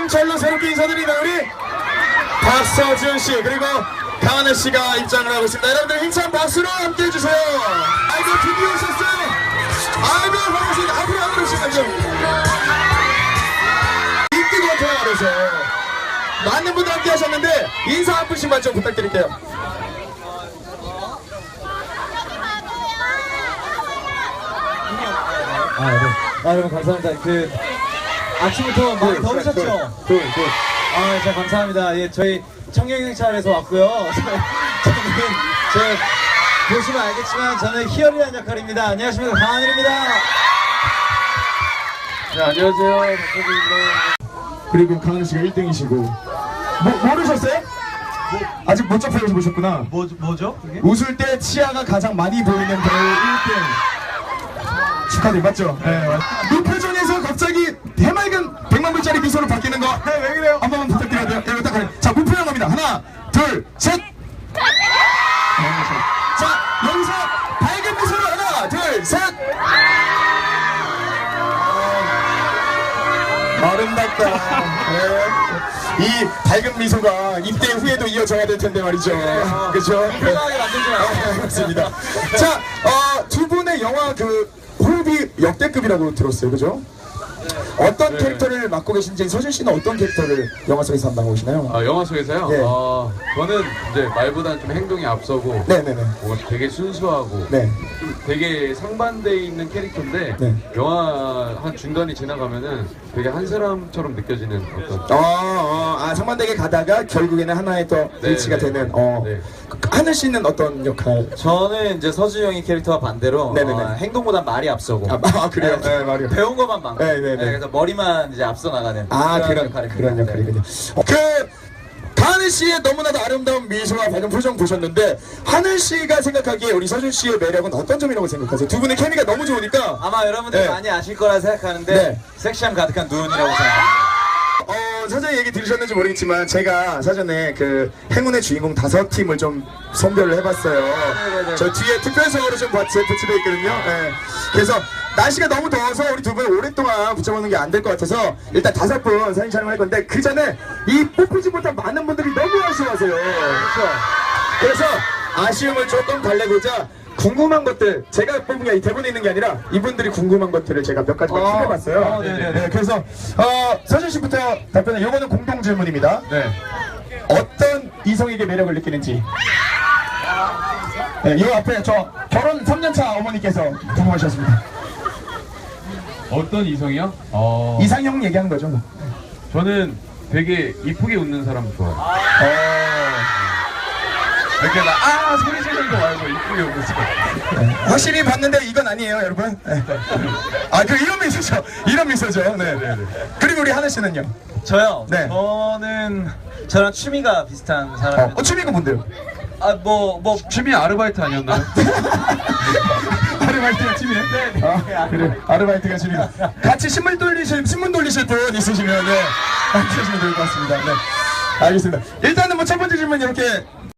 경찰로 새롭게 인사드리는 우리 박서준 씨 그리고 강하늘 씨가 입장을 하고 있습니다. 여러분들 힘찬 박수로 함께 해주세요. 아이고 드디어 오셨어요. 아이고 반갑습니다. 앞으로 오시면요. 인기 검토가 그래서 많은 분들 함께 하셨는데 인사 한 분씩만 좀 부탁드릴게요. 여러분 감사합니다. 아침부터 많이 더우셨죠? 진짜 감사합니다. 예, 저희 청년경찰에서 왔고요. 저는 보시면 알겠지만 저는 희열이라는 역할입니다. 안녕하십니까, 강하늘입니다. 네, 안녕하세요. 박서준입니다. 그리고 강하늘 씨가 1등이시고 모르셨어요? 아직 못 접해서 보셨구나. 뭐죠? 그게? 웃을 때 치아가 가장 많이 보이는 배우 1등 축하드립니다. 맞죠? 네. 무표정에서 갑자기 해맑은 100만 불짜리 미소로 바뀌는 거. 네, 왜 그래요? 한 번만 부탁드려야 돼요. 네, 딱 자, 무표정 갑니다. 하나, 둘, 셋. 자, 여기서 밝은 미소로 하나, 둘, 셋. 아름답다. 네. 이 밝은 미소가 입대 후에도 이어져야 될 텐데 말이죠. 그렇죠? 편하게 만들지 마세요. 맞습니다. 자, 두 분의 영화 호흡이 역대급이라고 들었어요, 그죠? 어떤 네. 캐릭터를 맡고 계신지 서준 씨는 어떤 캐릭터를 영화 속에서 담당하고 계시나요? 영화 속에서요? 네. 저는 이제 말보다는 좀 행동이 앞서고 네네네. 되게 순수하고 네. 좀 되게 상반되어 있는 캐릭터인데 네. 영화 한 중간이 지나가면은 되게 한 사람처럼 느껴지는 어떤 상반되게 가다가 결국에는 하나의 또 네, 일치가 네. 되는. 네. 하늘 씨는 어떤 역할? 저는 이제 서준 형이 캐릭터와 반대로 네네네. 행동보단 말이 앞서고 그래요? 네, 말이요. 배운 것만 많고 네네네. 그래서 머리만 이제 앞서 나가는 그런 역할이군요. 하늘 씨의 너무나도 아름다운 미소와 밝은 표정 보셨는데 하늘 씨가 생각하기에 우리 서준 씨의 매력은 어떤 점이라고 생각하세요? 두 분의 케미가 너무 좋으니까. 아마 여러분들이 네. 많이 아실 거라 생각하는데 네. 섹시함 가득한 눈이라고 생각합니다. 사전에 얘기 들으셨는지 모르겠지만 제가 사전에 행운의 주인공 5팀을 좀 선별을 해봤어요. 네네네. 저 뒤에 특별석으로 좀 배치되어 있거든요. 네. 그래서 날씨가 너무 더워서 우리 두 분 오랫동안 붙여보는 게 안 될 것 같아서 일단 5분 사진 촬영할 건데 그 전에 이 뽑히지 못한 많은 분들이 너무 아쉬워하세요. 그렇죠. 그래서 아쉬움을 조금 달래고자 궁금한 것들 제가 뽑은 게 대본에 있는 게 아니라 이분들이 궁금한 것들을 제가 몇 가지만 킵해봤어요. 네네네. 그래서 서준 씨부터 답변은 이거는 공동 질문입니다. 네. 어떤 이성에게 매력을 느끼는지. 네, 이 앞에 저 결혼 3년차 어머니께서 궁금하셨습니다. 어떤 이성이요? 이상형 얘기하는 거죠. 뭐. 저는 되게 이쁘게 웃는 사람 좋아해요. 이렇게 소리 지르는 거 말고 이쁘게 웃는 사람. 확실히 봤는데 이건 아니에요, 여러분. 네. 이런 미소죠. 이런 미소죠. 네. 그리고 우리 하늘 씨는요? 저요? 네. 저랑 취미가 비슷한 사람입니다. 취미가 뭔데요? 취미 아르바이트 아니었나요? 아르바이트가 취미예요? 네. 그래. 아르바이트가 취미다. 같이 신문 돌리실 분 있으시면 함께 하시면 될 것 같습니다. 네. 알겠습니다. 일단은 첫 번째 질문 이렇게